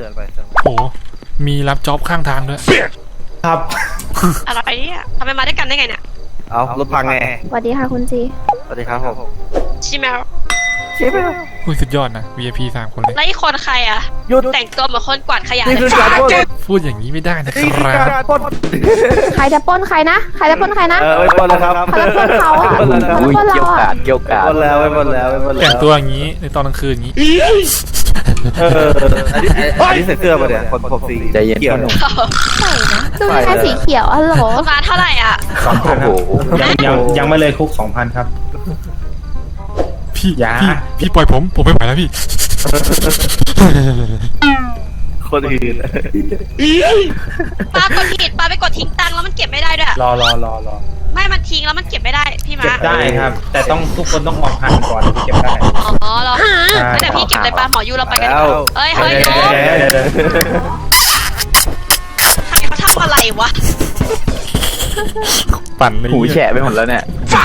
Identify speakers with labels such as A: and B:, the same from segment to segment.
A: ตือนไป
B: โอ้มีรับจ็อบข้างทางด้วย
A: ครับ
C: อะไรเนี่ยทำไมมาด้วยกันได้ไงเนี่ย
A: เอารถพังไง
D: สวัสดีค่ะคุณจี
A: สวัสดีครับผม
C: ชิเมล
B: อุ้ยสุดยอดนะ VIP 3 คนเลย
C: แล้วอีกคนใครอ่ะ
A: หยุด
C: แต่งตัวเหมือนคนกวาดขยะ
A: นี่
C: เล
A: คือย การปล้น
B: พูดอย่างนี้ไม่ได้นะค
A: นี่คือ
B: รั
A: การ
B: บ
A: ปล้น
D: ใครจะปล้นใครนะ ใครจะปล้นใครนะ
A: ไม่ปล้นแล้วครับ
D: เขาจะปล้นเขาอ่ะ
A: ไม่ปล้นแล้ว
D: เขาจะปล้นเราอ่ะ
E: เกี่ยวกา
A: ปล้นแล้วไม่ปล้นแล้วไม่ปล้นแล้ว
B: แต่งตัวอย่างนี้ในตอนกลางคืนอย่างนี้
A: อันนี้ใส่เสื้อมาเนี่ยผมสี
E: ใจเย็น
A: เขียว
E: หนุ่ม
D: ดูยังไงสีเขียวอะโหล
C: มาเท่าไหร่อ่ะ
E: โอ้โห
F: ยังไม่เลยคุก 2,000 ครับ
B: พี่
F: อย่า
B: พี่ปล่อยผมไม่ไหวแล้วพี่
A: คนอื่น
C: ปากดผิดปาไปกดทิ้งตังค์แล้วมันเก็บไม่ได้ด้วย
F: รอ
C: ไม่มันทิ้งแล้วมันเก็บไม่ได้พี่
F: เก็
C: มา
F: บได้ครับ แต่ต้องทุกคนต้องออกหันก่อนถึงเก็บได้
C: อ๋อเหรอไม่แต่พี่เก็บเลยปาหมอยูเราไปกันดีกว่าเอ้ยเฮ้ยโยม
F: เดี๋ยว
C: ใครเขาทำอะไรวะ
B: ปั่นเลย
E: หูแฉะไปหมดแล้วเนี่ย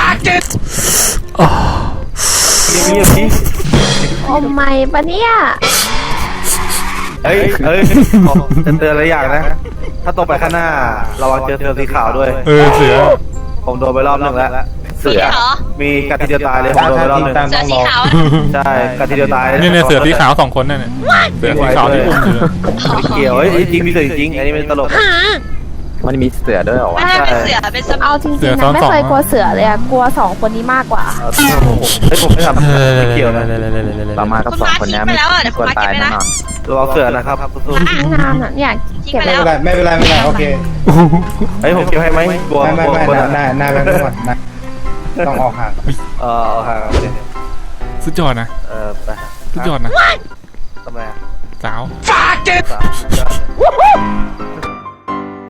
A: เงียบๆพี่
D: โอ้ไม่ปะเนี่ย
A: เฮ้ยจะเตือนอะไรอย่างนะ ถ้าตรงไปข้างหน้าระวังเจอเสือสีขาวด้วย
B: เสือ
A: ผมโดนไปรอบนึงแล้ว
C: เสือเหรอ
A: มีกัดทีเดียวตายเลยผมโดนไปรอบนึง
C: เสือสีขาว
A: ใช่กัดทีเดียวตาย
B: เนี่ยเสือสีขาว2 คนนั่นเนี่ยเสือสีขาวที่อุ้มอยู่
A: ไม่เกี่ยวจริงมีเสือจริงอันนี้ไม่ตลก
E: มันมีเสือด้วยเหรอวะ
C: ไม่ได้เป็นเสือเป็นสม
D: เอาจริงๆนะไม่เคยกลัวเสือเลยอะกลัวสองคนนี้มากกว่า
A: ผมไม่ทำไม่เกี่ยวนะ
E: เรามากับ2 คนนี้ไม่ควรตายแน่นอน
A: ระวังเสือนะครับสู้
D: งานอ่ะเนี่ย
C: ทิ้ง
D: เก็บ
C: ไป
D: ไว้
C: แล้ว
F: ไม่เป็นไรโอเค
A: เฮ้ยผมเกี่ยวให้ไหมกลัว
F: ไม่
A: กลัว
F: หน้าแบงค์ก่อนนะต้องออกห่าง
A: ห่าง
B: สุดยอดนะ
A: ไป
B: สุดยอดนะ
A: ทำไม
B: สาว
A: สาว